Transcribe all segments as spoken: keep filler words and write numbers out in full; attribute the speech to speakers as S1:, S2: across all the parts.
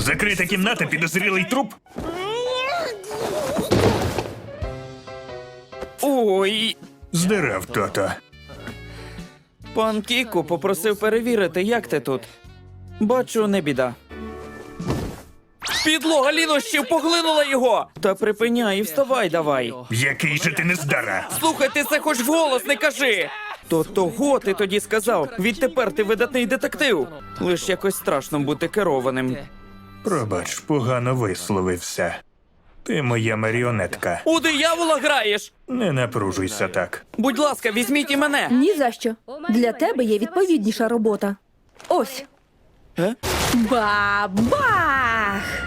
S1: Закрита кімната, підозрілий труп?
S2: Ой,
S1: Здирав то-то.
S2: пан Кіку попросив перевірити, як ти тут. Бачу, не біда. Підлога лінощів поглинула його! Та припиняй і вставай давай.
S1: Який же ти нездара?
S2: Слухай, ти це хоч вголос не кажи! То того ти тоді сказав. Відтепер ти видатний детектив. Лиш якось страшно бути керованим.
S1: Пробач, погано висловився. Ти моя маріонетка.
S2: У диявола граєш!
S1: Не напружуйся так.
S2: Будь ласка, візьміть і мене!
S3: Ні за що. Для тебе є відповідніша робота. Ось.
S2: Е?
S3: Ба-бах!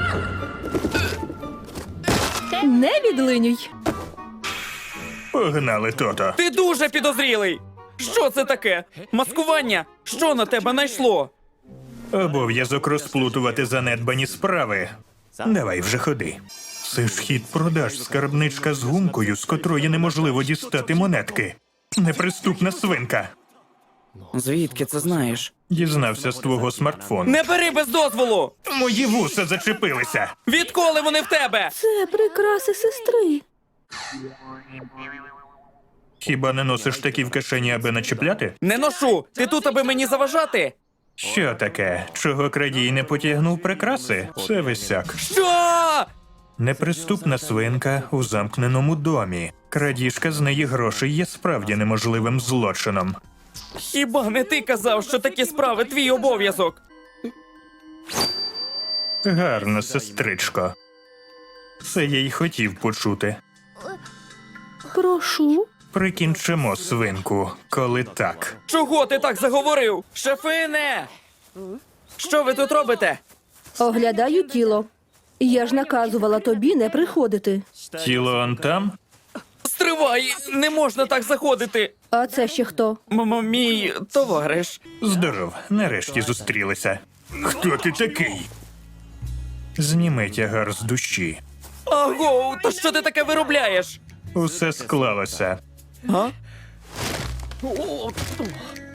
S3: Не відлинюй.
S1: Погнали то-то.
S2: Ти дуже підозрілий! Що це таке? Маскування? Що на тебе найшло?
S1: Обов'язок розплутувати занедбані справи. Давай вже ходи. Це ж хід продаж, скарбничка з гумкою, з котрої неможливо дістати монетки. Неприступна свинка.
S2: Звідки це знаєш?
S1: Дізнався з твого смартфону.
S2: Не бери без дозволу!
S1: Мої вуса зачепилися.
S2: Відколи вони в тебе?
S3: Це прикраси сестри.
S1: Хіба не носиш такі в кишені, аби начепляти?
S2: Не ношу! Ти тут, аби мені заважати?
S1: Що таке? Чого крадій не потягнув прикраси? Це висяк.
S2: Що?
S1: Неприступна свинка у замкненому домі. Крадіжка з неї грошей є справді неможливим злочином.
S2: Хіба не ти казав, що такі справи твій обов'язок?
S1: Гарно, сестричко. Це я й хотів почути.
S3: Прошу.
S1: Прикінчимо свинку, коли так.
S2: Чого ти так заговорив? Шефине! Що ви тут робите?
S3: Оглядаю тіло. Я ж наказувала тобі не приходити.
S1: Тіло он там?
S2: Стривай! Не можна так заходити!
S3: А це ще хто?
S2: М мій товариш.
S1: Здоров, нарешті зустрілися. Хто ти такий? Зніми тягар з душі.
S2: Аго, то що ти таке виробляєш?
S1: Усе склалося.
S2: А?